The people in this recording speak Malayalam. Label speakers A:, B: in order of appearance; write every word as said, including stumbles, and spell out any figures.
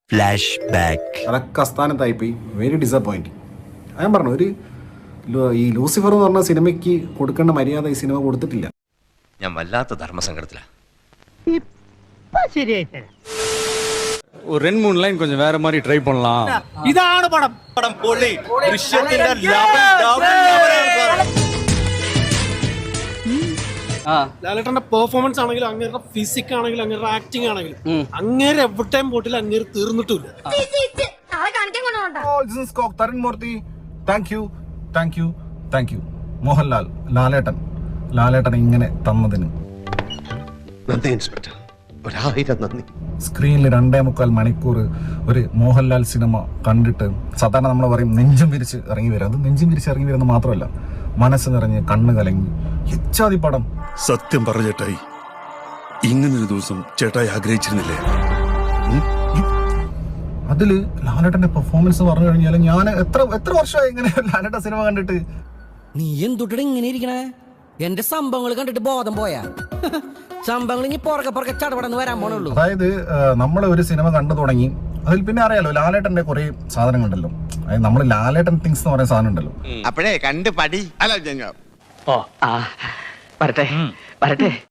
A: Flash back.
B: അതൊക്കെ അസ്ഥാനത്തായിപ്പോയി. Very disappointing. ഞാൻ പറഞ്ഞു, ഒരു ഈ ലൂസിഫർ എന്ന് പറഞ്ഞ സിനിമയ്ക്ക് കൊടുക്കേണ്ട മര്യാദ ഈ സിനിമ കൊടുത്തിട്ടില്ല.
A: ഞാൻ വല്ലാത്ത ധർമ്മസങ്കടത്തിലാണ്.
C: ஒரு ரெண்டு மூணு லைன் கொஞ்சம் வேற மாதிரி ட்ரை பண்ணலாம்.
D: ഇതാണ് പടം. പടം പൊളി. ദൃശ്യത്തിന്റെ ലെവൽ ലാലേട്ടന്റെ പെർഫോമൻസ് ആണെങ്കിലും അങ്ങേരുടെ ഫിസിക് ആണെങ്കിലും അങ്ങേരുടെ ആക്ടിങ് ആണെങ്കിലും അങ്ങേരെ എവിടെയും പോട്ടില്ല, അങ്ങേര് തീർന്നിട്ടില്ല.
B: Tarun Moorthy, thank you thank you thank you. Mohanlal, Lalettan Lalettan ഇങ്ങനെ തന്നതിന്
A: നന്ദി ഇൻസ്പെക്ടർ, ഒരായിരം നന്ദി.
B: സ്ക്രീനിൽ രണ്ടേ മുക്കാൽ മണിക്കൂർ ഒരു മോഹൻലാൽ സിനിമ കണ്ടിട്ട് സാധാരണ നമ്മൾ പറയും നെഞ്ചും വിരിച്ച് ഇറങ്ങി വരും. അത് നെഞ്ചും വിരിച്ച് ഇറങ്ങി വരുന്നത് മാത്രമല്ല, മനസ്സ് നിറഞ്ഞ് കണ്ണ് കലങ്ങി എച്ചാതി പടം.
E: സത്യം പറഞ്ഞ ചേട്ടായി, ഇങ്ങനൊരു ദിവസം ചേട്ടായി ആഗ്രഹിച്ചിരുന്നില്ലേ?
B: അതില് ലാലേട്ടന്റെ പെർഫോമൻസ് പറഞ്ഞു കഴിഞ്ഞാൽ ഞാൻ എത്ര എത്ര വർഷമായി ഇങ്ങനെ ലാലേട്ട സിനിമ കണ്ടിട്ട്.
F: നീ എന്തുട്ട ഇങ്ങനെ ഇരിക്കണേ? എന്റെ സംഭവങ്ങൾ കണ്ടിട്ട് ബോധം പോയാ? സംഭവങ്ങൾ ഇനി പുറകെ പുറകെ ചടപടന്ന് വരാൻ പോണുള്ളൂ.
B: അതായത് നമ്മൾ ഒരു സിനിമ കണ്ടു തുടങ്ങി, അതിൽ പിന്നെ അറിയാലോ ലാലേട്ടന്റെ കുറെ സാധനങ്ങളുണ്ടല്ലോ. അതായത് നമ്മൾ ലാലേട്ടൻ തിങ്സ് എന്ന് പറയുന്ന സാധനം ഉണ്ടല്ലോ.
A: അപ്പോഴേ കണ്ട് പടി. അല്ല
G: ഓ ആ വരട്ടെ വരട്ടെ.